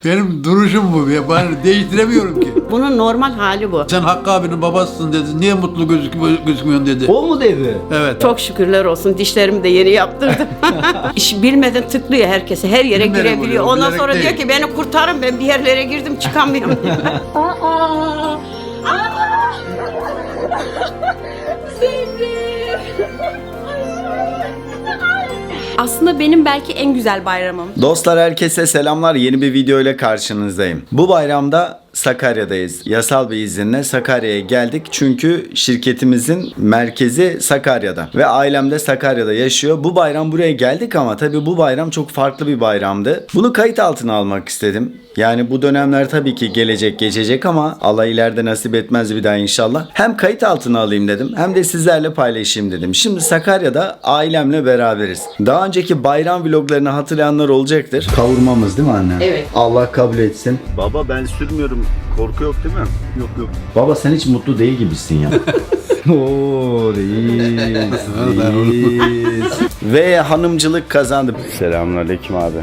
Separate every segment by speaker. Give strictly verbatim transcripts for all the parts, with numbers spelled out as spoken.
Speaker 1: Benim duruşum bu. Ya. Ben değiştiremiyorum ki.
Speaker 2: Bunun normal hali bu.
Speaker 1: Sen Hakkı abinin babasısın dedi. Niye mutlu gözük gözükmüyorsun dedi.
Speaker 3: O mu dedi?
Speaker 1: Evet.
Speaker 2: Çok şükürler olsun. Dişlerimi de yeni yaptırdım. İş bilmeden tıklıyor herkese. Her yere
Speaker 1: Bilmeden
Speaker 2: girebiliyor.
Speaker 1: oluyor,
Speaker 2: Ondan
Speaker 1: bilerek
Speaker 2: sonra
Speaker 1: değil.
Speaker 2: diyor ki beni kurtarın, ben bir yerlere girdim çıkamıyorum diyor.
Speaker 4: Aslında benim belki en güzel bayramım.
Speaker 3: Dostlar herkese selamlar. Yeni bir video ile karşınızdayım. Bu bayramda Sakarya'dayız. Yasal bir izinle Sakarya'ya geldik. Çünkü şirketimizin merkezi Sakarya'da. Ve ailem de Sakarya'da yaşıyor. Bu bayram buraya geldik ama tabii bu bayram çok farklı bir bayramdı. Bunu kayıt altına almak istedim. Yani bu dönemler tabii ki gelecek geçecek ama Allah ileride nasip etmez bir daha inşallah. Hem kayıt altına alayım dedim hem de sizlerle paylaşayım dedim. Şimdi Sakarya'da ailemle beraberiz. Daha önceki bayram vloglarını hatırlayanlar olacaktır. Kavurmamız değil mi anne?
Speaker 2: Evet.
Speaker 3: Allah kabul etsin. Baba ben sürmüyorum. Korku yok değil mi? Yok yok. Baba sen hiç mutlu değil gibisin ya. Oo reis. reis. Ve hanımcılık kazandı. Selamünaleyküm abi.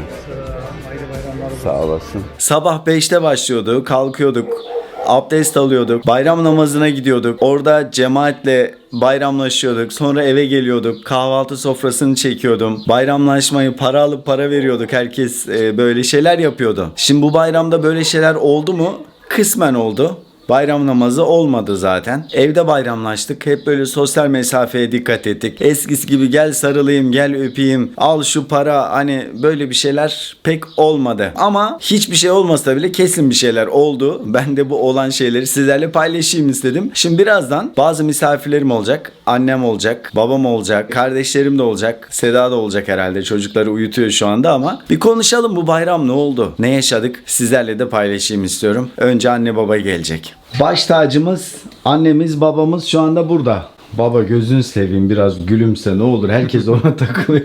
Speaker 3: Sağ olasın. Sabah beşte başlıyordu. Kalkıyorduk. Abdest alıyorduk. Bayram namazına gidiyorduk. Orada cemaatle bayramlaşıyorduk. Sonra eve geliyorduk. Kahvaltı sofrasını çekiyordum. Bayramlaşmayı para alıp para veriyorduk. Herkes e, böyle şeyler yapıyordu. Şimdi bu bayramda böyle şeyler oldu mu? Kısmen oldu. Bayram namazı olmadı zaten. Evde bayramlaştık. Hep böyle sosyal mesafeye dikkat ettik. Eskisi gibi gel sarılayım, gel öpeyim, al şu para, hani böyle bir şeyler pek olmadı. Ama hiçbir şey olmasa bile kesin bir şeyler oldu. Ben de bu olan şeyleri sizlerle paylaşayım istedim. Şimdi birazdan bazı misafirlerim olacak. Annem olacak, babam olacak, kardeşlerim de olacak. Seda da olacak herhalde. Çocukları uyutuyor şu anda ama bir konuşalım, bu bayram ne oldu? Ne yaşadık? Sizlerle de paylaşayım istiyorum. Önce anne baba gelecek. Baş tacımız, annemiz, babamız şu anda burada. Baba gözünü seveyim, biraz gülümse ne olur. Herkes ona takılıyor.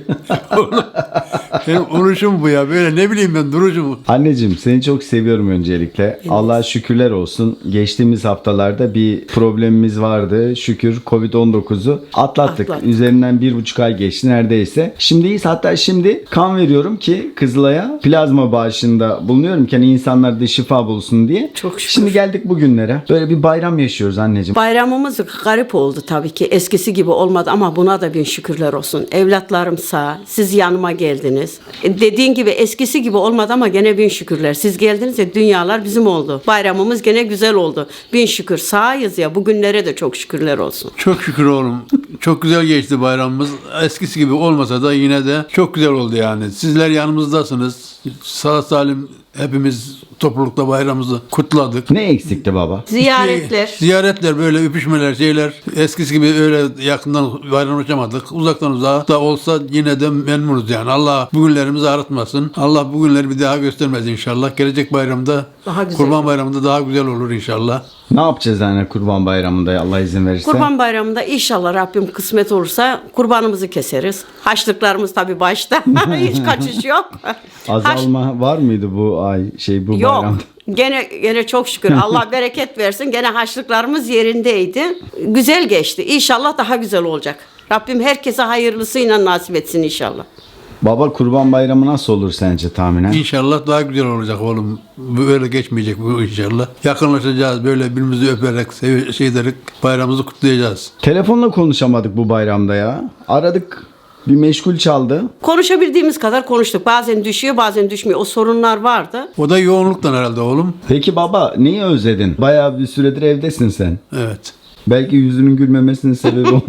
Speaker 1: Benim duruşum bu ya. Böyle ne bileyim ben duruşumu.
Speaker 3: Anneciğim seni çok seviyorum öncelikle. Allah'a şükürler olsun. Geçtiğimiz haftalarda bir problemimiz vardı. Şükür covid on dokuzu atlattık.
Speaker 2: Atlattık.
Speaker 3: Üzerinden bir buçuk ay geçti neredeyse. Şimdiyiz, hatta şimdi kan veriyorum ki Kızılay'a plazma bağışında bulunuyorum ki hani insanlar da şifa bulsun diye.
Speaker 2: Çok şükür.
Speaker 3: Şimdi geldik bugünlere. Böyle bir bayram yaşıyoruz anneciğim.
Speaker 2: Bayramımız garip oldu tabii ki. Eskisi gibi olmadı ama buna da bin şükürler olsun. Evlatlarım sağ, siz yanıma geldiniz. E, dediğin gibi eskisi gibi olmadı ama gene bin şükürler. Siz geldiniz ya, dünyalar bizim oldu. Bayramımız gene güzel oldu. Bin şükür sağız ya, bugünlere de çok şükürler olsun.
Speaker 1: Çok şükür oğlum. Çok güzel geçti bayramımız. Eskisi gibi olmasa da yine de çok güzel oldu yani. Sizler yanımızdasınız. Sağ salim hepimiz toplulukta bayramımızı kutladık.
Speaker 3: Ne eksikti baba?
Speaker 2: Ziyaretler.
Speaker 1: Ziyaretler, böyle öpüşmeler, şeyler. Eskisi gibi öyle yakından bayramlaşamadık. Uzaktan uzağa da olsa yine de memnunuz yani. Allah bugünlerimizi aratmasın. Allah bugünleri bir daha göstermez inşallah. Gelecek bayramda,
Speaker 2: Daha güzel
Speaker 1: Kurban
Speaker 2: olur.
Speaker 1: Bayramı'nda daha güzel olur inşallah.
Speaker 3: Ne yapacağız anne Kurban Bayramı'nda Allah izin verirse?
Speaker 2: Kurban Bayramı'nda inşallah Rabbim kısmet olursa kurbanımızı keseriz. Haçlıklarımız tabii başta. Hiç kaçış yok. Haç-
Speaker 3: Azalma var mıydı bu ay şey bu
Speaker 2: Yok.
Speaker 3: bayramda?
Speaker 2: Gene gene çok şükür. Allah bereket versin. Gene haçlıklarımız yerindeydi. Güzel geçti. İnşallah daha güzel olacak. Rabbim herkese hayırlısıyla nasip etsin inşallah.
Speaker 3: Baba Kurban Bayramı nasıl olur sence tahminen?
Speaker 1: İnşallah daha güzel olacak oğlum. Böyle geçmeyecek bu inşallah. Yakınlaşacağız, böyle birbirimizi öperek, sev- şey ederek bayramımızı kutlayacağız.
Speaker 3: Telefonla konuşamadık bu bayramda ya. Aradık. Bir meşgul çaldı.
Speaker 2: Konuşabildiğimiz kadar konuştuk. Bazen düşüyor, bazen düşmüyor. O sorunlar vardı.
Speaker 1: O da yoğunluktan herhalde oğlum.
Speaker 3: Peki baba neyi özledin? Bayağı bir süredir evdesin sen.
Speaker 1: Evet.
Speaker 3: Belki yüzünün gülmemesinin sebebi o.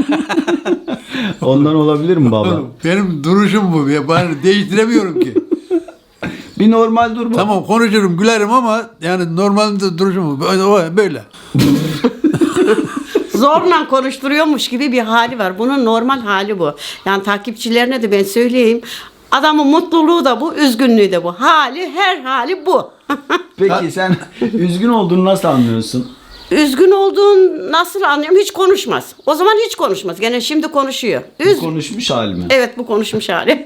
Speaker 3: Ondan olabilir mi baba?
Speaker 1: Oğlum, benim duruşum bu. Ya. Ben değiştiremiyorum ki.
Speaker 3: Bir normal dur baba.
Speaker 1: Tamam, konuşurum, gülerim ama yani normalde duruşum bu. Böyle. böyle.
Speaker 2: Zorla konuşturuyormuş gibi bir hali var. Bunun normal hali bu. Yani takipçilerine de ben söyleyeyim. Adamın mutluluğu da bu, üzgünlüğü de bu. Hali, her hali bu.
Speaker 3: Peki sen üzgün olduğunu nasıl anlıyorsun?
Speaker 2: Üzgün olduğun nasıl anlıyorum? Hiç konuşmaz. O zaman hiç konuşmaz. Gene şimdi konuşuyor.
Speaker 3: Bu
Speaker 2: Üz-
Speaker 3: konuşmuş hali mi?
Speaker 2: evet, bu konuşmuş hali.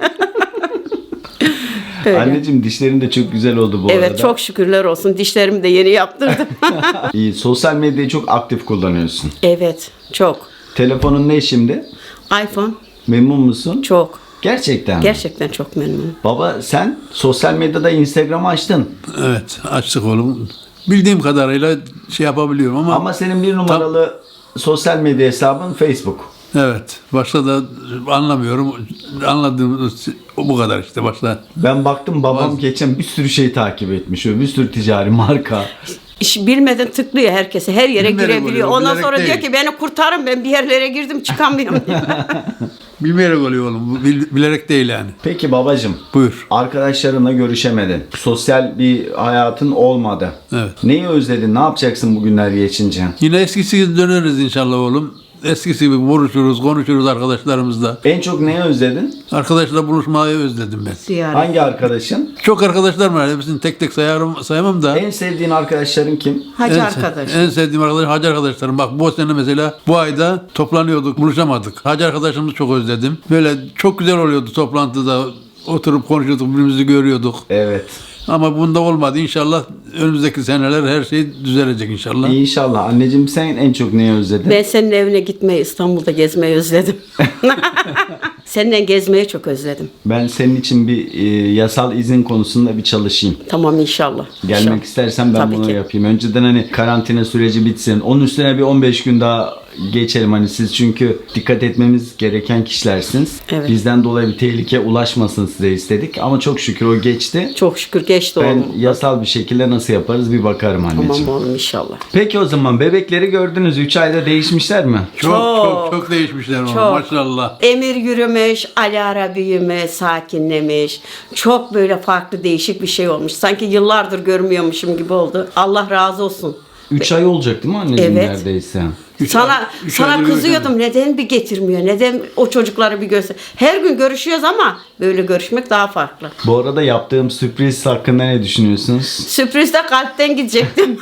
Speaker 2: Öyle.
Speaker 3: Anneciğim dişlerin de çok güzel oldu bu
Speaker 2: Evet,
Speaker 3: arada.
Speaker 2: çok şükürler olsun. Dişlerimi de yeni yaptırdım.
Speaker 3: İyi, sosyal medyayı çok aktif kullanıyorsun.
Speaker 2: Evet, çok.
Speaker 3: Telefonun ne şimdi?
Speaker 2: iPhone
Speaker 3: Memnun musun?
Speaker 2: çok.
Speaker 3: Gerçekten mi?
Speaker 2: Gerçekten çok memnunum.
Speaker 3: Baba sen sosyal medyada Instagram'ı açtın.
Speaker 1: Evet, açtık oğlum. Bildiğim kadarıyla şey yapabiliyorum ama,
Speaker 3: Ama senin bir numaralı sosyal medya hesabın Facebook.
Speaker 1: evet, başta da anlamıyorum. Anladığım bu kadar işte başta.
Speaker 3: Ben baktım babam
Speaker 1: Baz-
Speaker 3: geçen bir sürü şey takip etmiş. Bir sürü ticari marka.
Speaker 2: İş bilmeden tıklıyor herkese. Her yere
Speaker 1: Bilmeyerek
Speaker 2: girebiliyor.
Speaker 1: oluyor,
Speaker 2: Ondan
Speaker 1: bilerek
Speaker 2: sonra diyor
Speaker 1: değil.
Speaker 2: ki beni kurtarın, ben bir yerlere girdim çıkamıyorum diyor.
Speaker 1: Bilmeyerek oluyor oğlum. Bu bil- bilerek değil yani.
Speaker 3: Peki babacım.
Speaker 1: Buyur.
Speaker 3: Arkadaşlarınla görüşemedin. Sosyal bir hayatın olmadı.
Speaker 1: Evet.
Speaker 3: Neyi özledin? Ne yapacaksın bugünler geçince?
Speaker 1: Yine eskisi gibi döneriz inşallah oğlum. Eskisi gibi buluşuruz, konuşuruz arkadaşlarımızla.
Speaker 3: En çok neyi özledin?
Speaker 1: Arkadaşlarla buluşmayı özledim ben.
Speaker 2: Ziyaret.
Speaker 3: Hangi arkadaşın?
Speaker 1: Çok arkadaşlarım var. Hepsini tek tek sayarım, sayamam da.
Speaker 3: En sevdiğin arkadaşların kim?
Speaker 2: Hacı
Speaker 1: en,
Speaker 2: arkadaş.
Speaker 1: En sevdiğim arkadaş hacı arkadaşlarım. Bak bu sene mesela bu ayda toplanıyorduk, buluşamadık. Hacı arkadaşımızı çok özledim. Böyle çok güzel oluyordu toplantıda. Oturup konuşuyorduk, birbirimizi görüyorduk.
Speaker 3: Evet.
Speaker 1: Ama bunda olmadı. İnşallah önümüzdeki seneler her şey düzelecek inşallah.
Speaker 3: İnşallah. Anneciğim sen en çok neyi özledin?
Speaker 2: Ben senin evine gitmeyi, İstanbul'da gezmeyi özledim. Seninle gezmeyi çok özledim.
Speaker 3: Ben senin için bir e, yasal izin konusunda bir çalışayım.
Speaker 2: Tamam inşallah.
Speaker 3: Gelmek
Speaker 2: İnşallah.
Speaker 3: istersen ben
Speaker 2: Tabii
Speaker 3: bunu
Speaker 2: ki.
Speaker 3: yapayım. Önceden hani karantina süreci bitsin. Onun üstüne bir on beş gün daha geçelim. Hani siz çünkü dikkat etmemiz gereken kişilersiniz.
Speaker 2: Evet.
Speaker 3: Bizden dolayı bir tehlike ulaşmasın size istedik. Ama çok şükür o geçti.
Speaker 2: Çok şükür geçti
Speaker 3: Ben
Speaker 2: oğlum.
Speaker 3: yasal bir şekilde nasıl yaparız bir bakarım anneciğim.
Speaker 2: Tamam oğlum inşallah.
Speaker 3: Peki o zaman bebekleri gördünüz. üç ayda değişmişler mi?
Speaker 1: Çok çok
Speaker 2: Çok.
Speaker 1: çok değişmişler oğlum,
Speaker 2: Çok.
Speaker 1: maşallah.
Speaker 2: Emir yürümüş, Alara büyümüş, sakinlemiş. Çok böyle farklı değişik bir şey olmuş. Sanki yıllardır görmüyormuşum gibi oldu. Allah razı olsun.
Speaker 3: üç ay olacak değil mi anneciğim
Speaker 2: Evet.
Speaker 3: neredeyse?
Speaker 1: Üç
Speaker 2: sana
Speaker 1: ay- üç
Speaker 2: sana
Speaker 1: aydır
Speaker 2: kızıyordum. Neden bir getirmiyor? Neden o çocukları bir göster? Her gün görüşüyoruz ama böyle görüşmek daha farklı.
Speaker 3: Bu arada yaptığım sürpriz hakkında ne düşünüyorsunuz?
Speaker 2: Sürprizde kalpten gidecektim.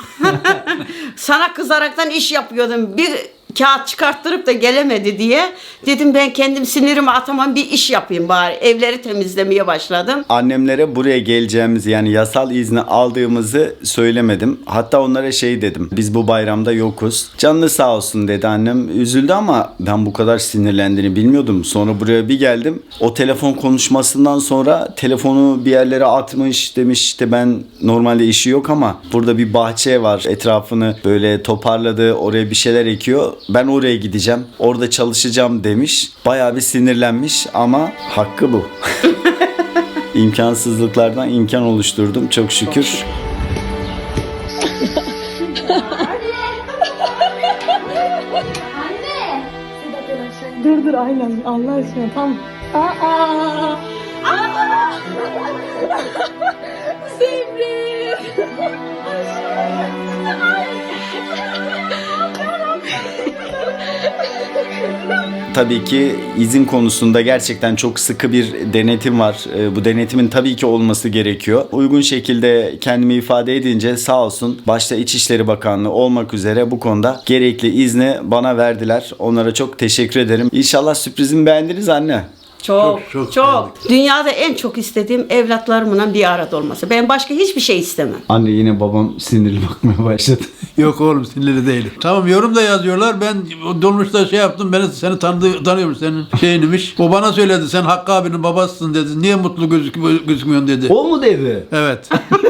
Speaker 2: Sana kızaraktan iş yapıyordum. Bir kağıt çıkarttırıp da gelemedi diye. Dedim ben kendim sinirimi atamam, bir iş yapayım bari. Evleri temizlemeye başladım.
Speaker 3: Annemlere buraya geleceğimizi yani yasal izni aldığımızı söylemedim. Hatta onlara şey dedim. Biz bu bayramda yokuz. Canlı sağ olsun dedi annem. Üzüldü ama ben bu kadar sinirlendiğini bilmiyordum. Sonra buraya bir geldim. O telefon konuşmasından sonra telefonu bir yerlere atmış, demiş işte ben normalde işi yok ama burada bir bahçe var. Etrafını böyle toparladı. Oraya bir şeyler ekiyor. Ben oraya gideceğim. Orada çalışacağım demiş. Bayağı bir sinirlenmiş ama hakkı bu. İmkansızlıklardan imkan oluşturdum çok şükür.
Speaker 5: Dur dur aynen Allah aşkına tam. Aa! Aa! Sevrim!
Speaker 3: Tabii ki izin konusunda gerçekten çok sıkı bir denetim var. Ee, Bu denetimin tabii ki olması gerekiyor. Uygun şekilde kendimi ifade edince sağ olsun başta İçişleri Bakanlığı olmak üzere bu konuda gerekli izni bana verdiler. Onlara çok teşekkür ederim. İnşallah sürprizimi beğendiniz anne.
Speaker 2: Çok,
Speaker 1: Çok, çok
Speaker 2: çok.
Speaker 1: beğendik.
Speaker 2: Dünyada en çok istediğim evlatlarımla bir arada olması. Ben başka hiçbir şey istemem.
Speaker 3: Anne yine babam sinirli bakmaya başladı.
Speaker 1: Yok oğlum, sinirli değilim. Tamam, yorum da yazıyorlar. Ben o dolmuşta şey yaptım. Ben seni tanıdı, tanıyormuş, senin şeyinmiş. O bana söyledi. Sen Hakkı abinin babasısın dedi. Niye mutlu gözük gözükmüyorsun dedi.
Speaker 3: O mu dedi?
Speaker 1: Evet.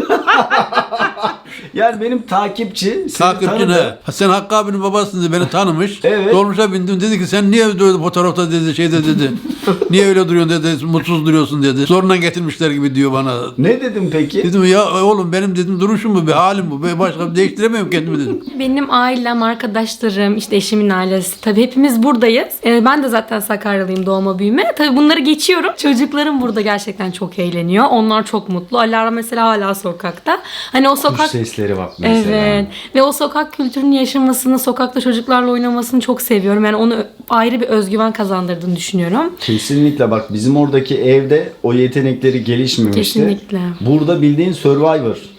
Speaker 3: Yani benim takipçi seni
Speaker 1: Takipçin
Speaker 3: tanıdı.
Speaker 1: he. Sen Hakkı abinin babasısın dedi. Beni tanımış.
Speaker 3: Evet.
Speaker 1: Dolmuşa bindim. Dedi ki sen niye böyle fotoğrafta dedi şeyde dedi. Niye öyle duruyorsun dedi. Mutsuz duruyorsun dedi. Zorundan getirmişler gibi diyor bana.
Speaker 3: Ne dedim peki?
Speaker 1: Dedim ya oğlum benim dedim duruşum bu, bir halim bu. Ben başka değiştiremiyorum kendimi dedim.
Speaker 5: Benim ailem, arkadaşlarım, işte eşimin ailesi. Tabii hepimiz buradayız. Ee, ben de zaten Sakaryalıyım doğma büyüme. Tabii bunları geçiyorum. Çocuklarım burada gerçekten çok eğleniyor. Onlar çok mutlu. Alara mesela hala sokakta. Hani o
Speaker 3: Kuş
Speaker 5: sokak...
Speaker 3: sesleri bak mesela.
Speaker 5: Evet. Ve o sokak kültürünün yaşamasını, sokakta çocuklarla oynamasını çok seviyorum. Yani onu ayrı bir özgüven kazandırdığını düşünüyorum.
Speaker 3: Kesinlikle bak bizim oradaki evde o yetenekleri gelişmemişti.
Speaker 5: Kesinlikle.
Speaker 3: Burada bildiğin Survivor.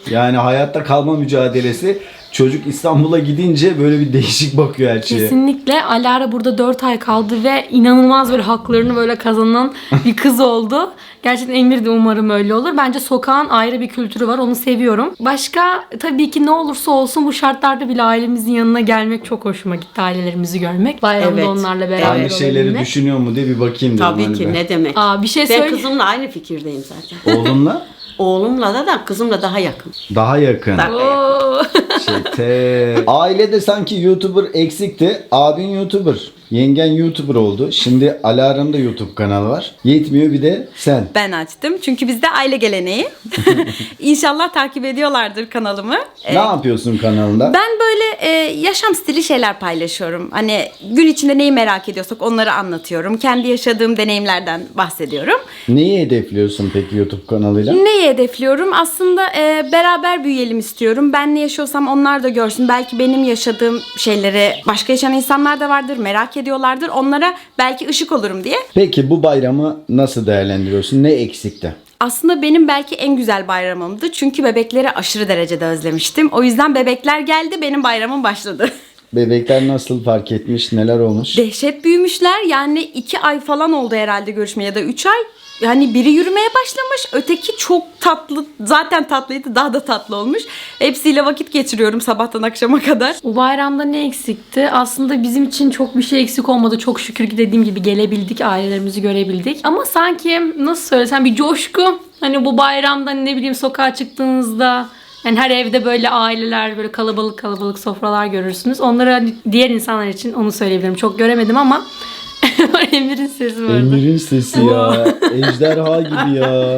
Speaker 3: Yani hayatta kalma mücadelesi. Çocuk İstanbul'a gidince böyle bir değişik bakıyor her şeye.
Speaker 5: Kesinlikle. Alara burada dört ay kaldı ve inanılmaz böyle haklarını böyle kazanan bir kız oldu. Gerçekten Emir de umarım öyle olur. Bence sokağın ayrı bir kültürü var. Onu seviyorum. Başka tabii ki ne olursa olsun bu şartlarda bile ailemizin yanına gelmek çok hoşuma gitti. Ailelerimizi görmek. Bayramda
Speaker 2: Evet.
Speaker 5: onlarla beraber
Speaker 3: Aynı şeyleri
Speaker 5: olabilmek.
Speaker 3: düşünüyor mu diye bir bakayım dedim.
Speaker 2: Tabii
Speaker 3: hani
Speaker 2: ki
Speaker 3: ben.
Speaker 2: ne demek.
Speaker 5: Aa, bir şey
Speaker 2: Ben
Speaker 5: söyle.
Speaker 2: kızımla aynı fikirdeyim zaten.
Speaker 3: Oğlumla
Speaker 2: Oğlumla da da kızımla daha yakın.
Speaker 3: daha yakın.
Speaker 2: Daha yakın.
Speaker 5: Oo.
Speaker 3: Çete. Ailede sanki YouTuber eksikti. Abin YouTuber. Yengen YouTuber oldu. Şimdi Alara'nın da YouTube kanalı var. Yetmiyor bir de sen.
Speaker 4: Ben açtım çünkü bizde aile geleneği. İnşallah takip ediyorlardır kanalımı.
Speaker 3: Ne yapıyorsun kanalında?
Speaker 4: Ben böyle e, yaşam stili şeyler paylaşıyorum. Hani gün içinde neyi merak ediyorsak onları anlatıyorum. Kendi yaşadığım deneyimlerden bahsediyorum.
Speaker 3: Neyi hedefliyorsun peki YouTube kanalıyla?
Speaker 4: Neyi hedefliyorum? Aslında e, beraber büyüyelim istiyorum. Ben ne yaşıyorsam onlar da görsün. Belki benim yaşadığım şeyleri başka yaşayan insanlar da vardır. Merak ediyorlardır. Onlara belki ışık olurum diye.
Speaker 3: Peki bu bayramı nasıl değerlendiriyorsun? Ne eksikti?
Speaker 4: Aslında benim belki en güzel bayramımdı. Çünkü bebekleri aşırı derecede özlemiştim. O yüzden bebekler geldi, benim bayramım başladı.
Speaker 3: Bebekler nasıl fark etmiş? Neler olmuş?
Speaker 4: Dehşet büyümüşler. Yani iki ay falan oldu herhalde görüşme ya da üç ay. Yani biri yürümeye başlamış. Öteki çok tatlı. Zaten tatlıydı. Daha da tatlı olmuş. Hepsiyle vakit geçiriyorum sabahtan akşama kadar.
Speaker 5: Bu bayramda ne eksikti? Aslında bizim için çok bir şey eksik olmadı. Çok şükür ki dediğim gibi gelebildik, ailelerimizi görebildik. Ama sanki nasıl söylesem bir coşku. Hani bu bayramda ne bileyim sokağa çıktığınızda yani her evde böyle aileler böyle kalabalık kalabalık sofralar görürsünüz. Onlara hani diğer insanlar için onu söyleyebilirim. Çok göremedim ama Emir'in sesi vardı.
Speaker 3: Emir'in sesi ya. Ejderha gibi ya.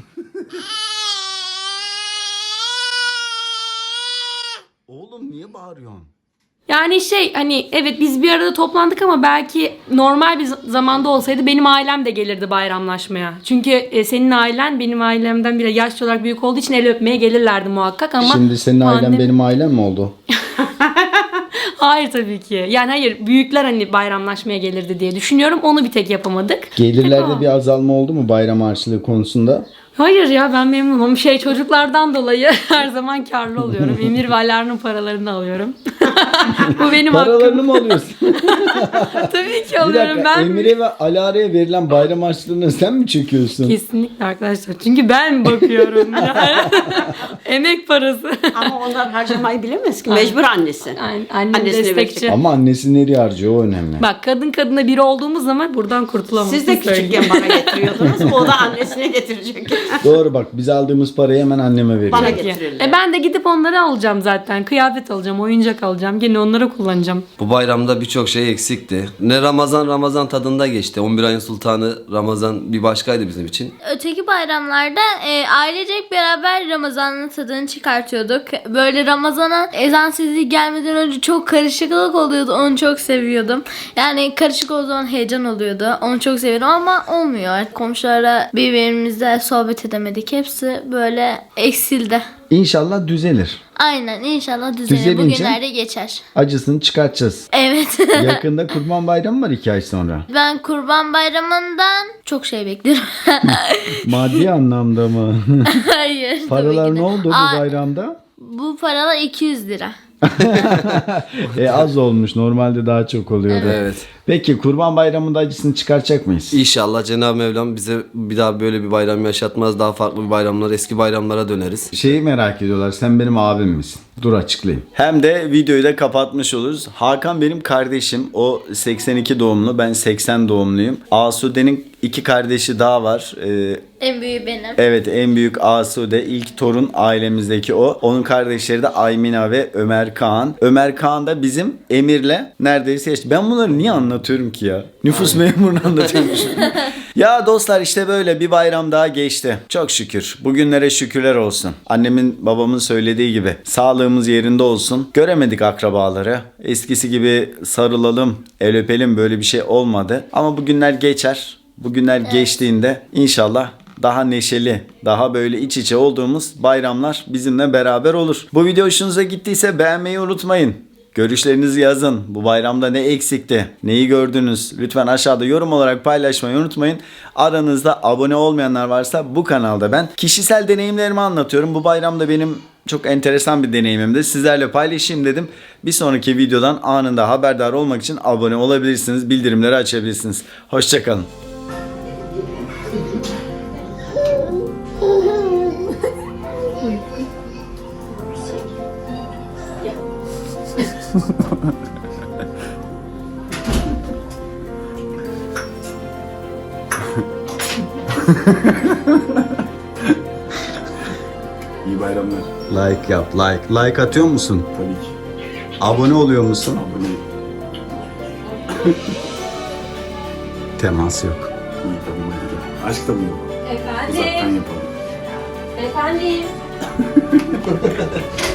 Speaker 3: Oğlum niye bağırıyorsun?
Speaker 5: Yani şey hani evet biz bir arada toplandık ama belki normal bir z- zamanda olsaydı benim ailem de gelirdi bayramlaşmaya. Çünkü e, senin ailen benim ailemden bile yaşlı olarak büyük olduğu için el öpmeye gelirlerdi muhakkak ama
Speaker 3: Şimdi senin ailen
Speaker 5: pandemi-
Speaker 3: benim ailem mi oldu?
Speaker 5: Hayır tabii ki. Yani hayır büyükler hani bayramlaşmaya gelirdi diye düşünüyorum. Onu bir tek yapamadık.
Speaker 3: Gelirlerde
Speaker 5: Tamam.
Speaker 3: bir azalma oldu mu bayram harçlığı konusunda?
Speaker 5: Hayır ya ben memnunum. Şey çocuklardan dolayı her zaman karlı oluyorum. Emir ve Alar'ın paralarını alıyorum. Bu benim hakkım.
Speaker 3: Paralarını mı alıyorsun?
Speaker 5: Tabii ki
Speaker 3: Bir
Speaker 5: alıyorum.
Speaker 3: dakika,
Speaker 5: Ben
Speaker 3: Emir'e ve Alara'ya verilen bayram harçlığını sen mi çekiyorsun?
Speaker 5: Kesinlikle arkadaşlar. Çünkü ben bakıyorum. Yani. Emek parası.
Speaker 2: Ama onlar harcamayı bilemez ki. Mecbur annesi.
Speaker 5: Aynen, annem
Speaker 2: Annesine
Speaker 5: destekçi.
Speaker 2: verecek.
Speaker 3: Ama annesi nereye harcıyor o önemli.
Speaker 5: Bak kadın kadına biri olduğumuz zaman buradan kurtulamazsın.
Speaker 2: Siz de küçükken bana getiriyordunuz. O da annesine getirecek.
Speaker 3: Doğru bak biz aldığımız parayı hemen anneme veriyoruz.
Speaker 2: Bana
Speaker 5: Peki.
Speaker 2: getirirler.
Speaker 5: E ben de gidip onları alacağım zaten. Kıyafet alacağım, oyuncak alacağım. Gene onları kullanacağım.
Speaker 6: Bu bayramda birçok şey eksikti. Ne Ramazan Ramazan tadında geçti. on bir ayın sultanı Ramazan bir başkaydı bizim için.
Speaker 7: Öteki bayramlarda e, ailecek beraber Ramazan'ın tadını çıkartıyorduk. Böyle Ramazan'a ezan sesi gelmeden önce çok karışıklık oluyordu. Onu çok seviyordum. Yani karışık olduğu zaman heyecan oluyordu. Onu çok seviyordum ama olmuyor. Komşularla birbirimizle sohbet edemedik. Hepsi böyle eksildi.
Speaker 3: İnşallah düzelir.
Speaker 7: Aynen inşallah düzelir.
Speaker 3: Düzelince-
Speaker 7: Bugünlerde geçer.
Speaker 3: Acısını çıkartacağız.
Speaker 7: Evet.
Speaker 3: Yakında Kurban Bayramı var iki ay sonra.
Speaker 7: Ben Kurban Bayramı'ndan çok şey bekliyorum.
Speaker 3: Maddi anlamda mı?
Speaker 7: Hayır. tabii
Speaker 3: Paralar
Speaker 7: ki de.
Speaker 3: ne oldu bu
Speaker 7: Aa,
Speaker 3: bayramda?
Speaker 7: Bu paralar iki yüz lira.
Speaker 3: E az olmuş. Normalde daha çok oluyordu.
Speaker 6: Evet.
Speaker 3: Peki Kurban Bayramı'nda acısını çıkaracak mıyız?
Speaker 6: İnşallah Cenab-ı Mevlam bize bir daha böyle bir bayram yaşatmaz. Daha farklı bir bayramlar, eski bayramlara döneriz.
Speaker 3: Şeyi merak ediyorlar. Sen benim abim misin? Dur açıklayayım. Hem de videoyu da kapatmış oluruz. Hakan benim kardeşim. O seksen iki doğumlu. Ben seksen doğumluyum. Asude'nin iki kardeşi daha var. Ee,
Speaker 7: En büyüğü benim.
Speaker 3: Evet en büyük Asude ilk torun ailemizdeki o. Onun kardeşleri de Aymina ve Ömer Kaan. Ömer Kaan da bizim Emir'le neredeyse eşit. Ben bunları niye anlatıyorum ki ya? Nüfus memurunu anlatıyormuşum. Ya dostlar işte böyle bir bayram daha geçti. Çok şükür. Bugünlere şükürler olsun. Annemin babamın söylediği gibi sağlığımız yerinde olsun. Göremedik akrabaları. Eskisi gibi sarılalım, el öpelim böyle bir şey olmadı. Ama bugünler geçer. Bugünler geçtiğinde inşallah daha neşeli, daha böyle iç içe olduğumuz bayramlar bizimle beraber olur. Bu video hoşunuza gittiyse beğenmeyi unutmayın. Görüşlerinizi yazın. Bu bayramda ne eksikti? Neyi gördünüz? Lütfen aşağıda yorum olarak paylaşmayı unutmayın. Aranızda abone olmayanlar varsa bu kanalda ben kişisel deneyimlerimi anlatıyorum. Bu bayramda benim Çok enteresan bir deneyimimdi. Sizlerle paylaşayım dedim. Bir sonraki videodan anında haberdar olmak için abone olabilirsiniz. Bildirimleri açabilirsiniz. Hoşçakalın.
Speaker 8: İyi bayramlar.
Speaker 3: Like yap, like. Like atıyor musun?
Speaker 8: Tabii ki.
Speaker 3: Abone oluyor musun?
Speaker 8: Abone.
Speaker 3: Temas yok.
Speaker 8: İyi tamam hadi. Aşk da mı yok?
Speaker 5: Efendim.
Speaker 8: Uzaktan yapalım.
Speaker 5: Efendim.